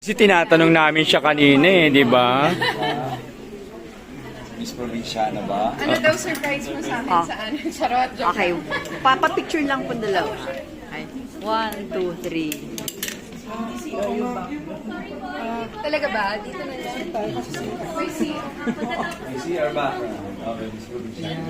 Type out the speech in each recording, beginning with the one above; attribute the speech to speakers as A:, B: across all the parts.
A: Kasi tinatanong namin siya kanina eh, di ba?
B: Miss Provinciana ba?
C: Ano daw surprise mo sa amin sa ano? Charot, joke.
D: Okay, papapicture lang po dalawa. Okay. 1, 2, 3.
C: Talaga ba? Dito na lang. May see.
B: May CR ba? Okay, Miss Provinciana.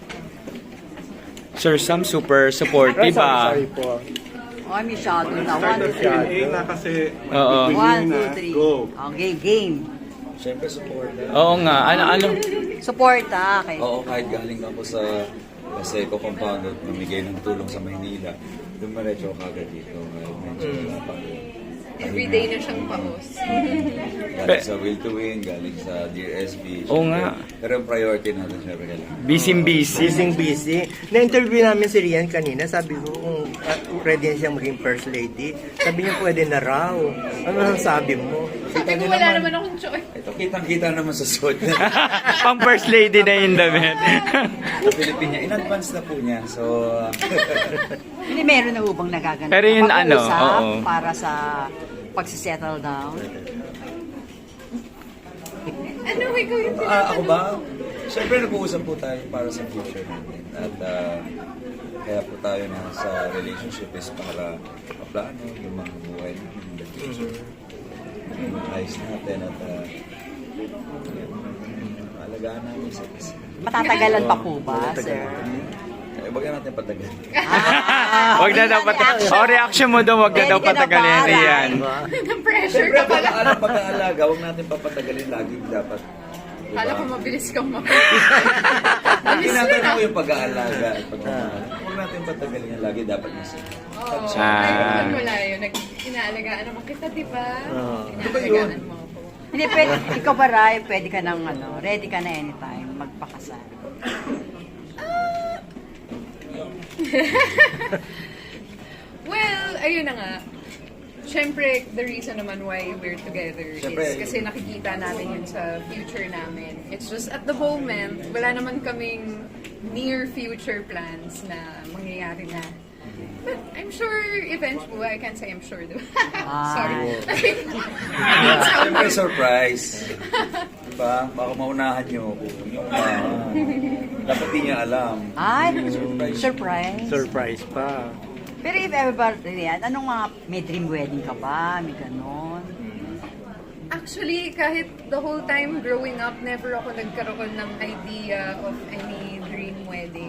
A: Sir Sam, super supportive ah.
E: Sorry po.
D: Okay, may shadow na. 1, 2, 3.
E: Q&A na kasi
A: Oo.
D: 1, 2, 3.
E: Go.
D: Okay, game.
B: Siyempre support.
A: Oo nga, ano?
D: Support okay.
B: Oo, kahit galing ako sa Paseco Compound at namigay ng tulong sa Maynila, dumiretso ako agad dito. Medyo wala pa.
C: Everyday na siyang paus.
B: Galing sa Will to Win, galing sa Dear SB.
A: Oo nga.
B: Pero yung priority natin syempre kailangan.
A: Busy.
E: Busy. Na-interview namin si Rian kanina. Sabi ko kung ready na siyang maging first lady. Sabi niya pwede na raw. Ano ang sabi mo?
C: Sabi ko wala naman akong choice.
B: Ito, kitang-kita naman sa suit.
A: Pang first lady na yung damit.
B: Sa Pilipinas, in advance na po niya. So,
D: Hindi, meron na ubang nagaganap.
A: Pero yun, ano,
D: Pag-uusap
A: oo.
D: para sa pagsisettle down.
C: Ano, ikaw yung
B: ako ba? Siyempre nag-uusap po tayo para sa future natin. At kaya po tayo na sa relationship is para maplano yung mga buhay natin in the future. Ayos natin at alagaan namin sa isa.
D: Matatagalan pa po ba, sir?
B: Wag na natin patagal.
A: Wag na daw patagalin. O, reaction mo daw, wag na daw patagalin. Rian.
C: pressure
B: Siyempre,
C: ka pala.
B: pag-aalaga, huwag natin papatagalin lagi dapat. Diba?
C: Kala ko mabilis kang
B: Tinatanong ko yung pag-aalaga at pagmamahal. Huwag natin patagalin yan lagi, dapat nasa.
C: Oo.
A: Ah.
C: Ay, wala yun. Inaalagaan naman kita, di ba? Inaalagaan mo ako.
D: Hindi, pwede, ikaw ba, Rai, pwede ka nang, ready ka na anytime magpakasal.
C: Well, ayun na nga. Siyempre, the reason naman why we're together
B: Siyempre.
C: is kasi nakikita namin yun sa future namin. It's just at the moment, wala naman kaming near future plans na mangyayari na. But I'm sure eventually, I can't say I'm sure, diba? Sorry.
B: Siyempre, surprise. Diba? Baka maunahan nyo ako. Yung dapat di niya alam.
D: Ay,
B: Surprise.
D: surprise.
E: Surprise pa.
D: Pero if ever, Rian, anong mga, may dream wedding ka ba? May ganon?
C: Actually, kahit the whole time growing up, never ako nagkaroon ng idea of any dream wedding.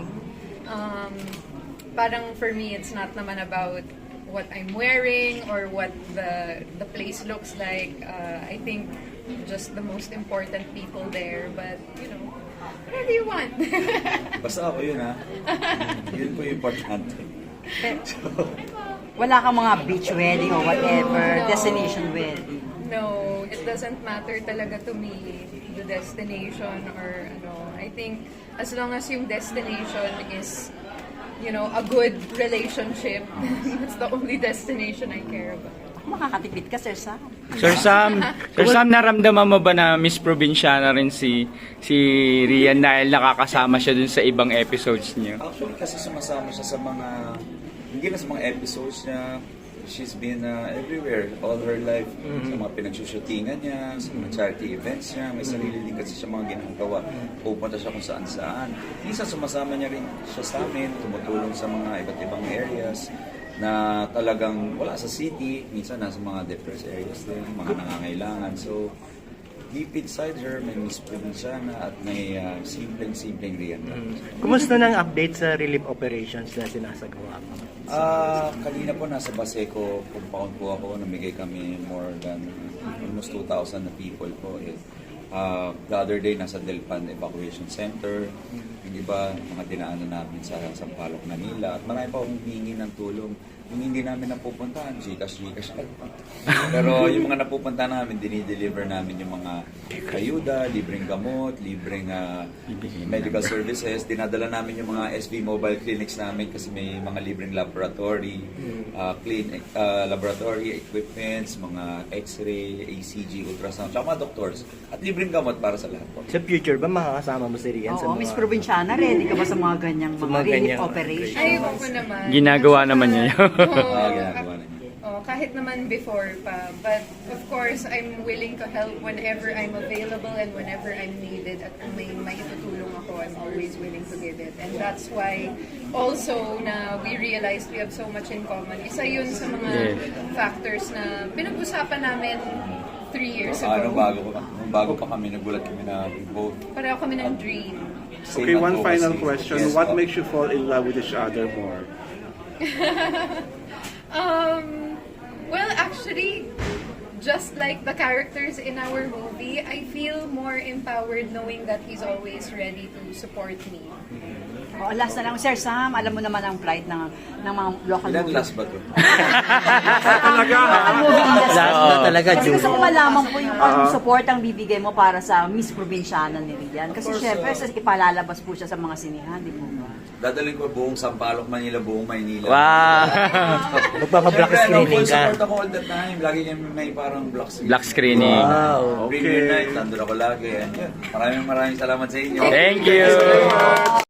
C: Parang for me, it's not naman about what I'm wearing or what the place looks like. I think just the most important people there. But, you know, whatever you want.
B: Basta ako yun, ha? Yun po yung importante.
D: Wala kang mga beach wedding or whatever,
C: No.
D: destination wedding.
C: No, it doesn't matter talaga to me, the destination or ano. I think as long as yung destination is, you know, a good relationship, that's the only destination I care about.
D: Makakatipid ka, Sir Sam.
A: Sir Sam, naramdaman mo ba na Miss Provinciana rin si Rian dahil nakakasama siya dun sa ibang episodes niyo?
B: Actually, kasi sumasama siya sa mga, hindi na sa mga episodes niya. She's been everywhere all her life. Sa mga pinagsushootingan niya, sa mga charity events niya. May sarili din kasi siya mga ginagawa. Pupunta siya kung saan-saan. Minsan sumasama niya rin siya sa amin, tumutulong sa mga iba't ibang areas na talagang wala sa city. Minsan nasa mga depressed areas din, mga nangangailangan. So, deep inside her, may Miss Provinciana at may simpleng Rian.
E: Kumusta nang update sa relief operations na sinasagawa mo?
B: Kanina po nasa Baseco compound po ako, namigay kami more than almost 2,000 na people po. The other day nasa Delpan Evacuation Center, yung iba mga dinaanan namin sa Sampaloc, Manila at marami pa akong humingi ng tulong. Yung hindi namin napupuntahan, Gcash. Pero yung mga napupuntahan namin, dinideliver namin yung mga ayuda, libreng gamot, libreng medical services. Dinadala namin yung mga SV mobile clinics namin kasi may mga libreng laboratory, laboratory equipments, mga x-ray, ACG, ultrasound, tsaka mga doctors. At libreng gamot para sa lahat po.
E: Sa future ba makakasama mo si Rian sa
D: Oo,
E: mga...
D: Miss Provinciana, ready ka ba sa mga ganyang
E: Sa
D: mga
E: mga
D: relief
E: ganyang
D: operation?
C: Ay, ako naman.
A: Ginagawa naman niya yun.
C: Oo.
B: Ginagawa na niya.
C: Oo, kahit naman before pa. But of course, I'm willing to help whenever I'm available and whenever I'm needed. At kung may maitutulong ako, I'm always willing to give it. And that's why also na we realized we have so much in common. Isa yun sa mga factors na pinag-usapan namin 3 years
B: Ano,
C: ago.
B: bago pa kami, nagulat kami na both.
C: Pareho kami ng dream.
B: same
F: Okay, one final
B: advocacy.
F: question.
B: Yes,
F: What
B: po.
F: makes you fall in love with each other more?
C: Well, actually, just like the characters in our movie, I feel more empowered knowing that he's always ready to support me.
D: Oh, last na lang, Sir Sam, alam mo naman ang plight ng mga local
B: Ilan
D: movie.
B: last ba to?
F: Talaga, ha?
D: Local movie industry.
E: Last na talaga,
D: Kasi gusto ko
E: Julie.
D: malaman po yung support ang bibigay mo para sa Miss Provinciana ni Rian. Kasi
B: Of course,
D: syempre, ipalalabas po siya sa mga sinihan, di po ba?
B: Dadalhin ko buong Sampaloc, Manila, buong Maynila.
E: Wow! Magpapa-black
B: Siyempre,
E: screening
B: full
E: ka.
B: support ako all the time. Lagi kami may parang black screening.
A: Black screening.
E: Wow!
B: Premiere night, nandun ako lagi. And yun, maraming salamat sa inyo.
A: Thank you!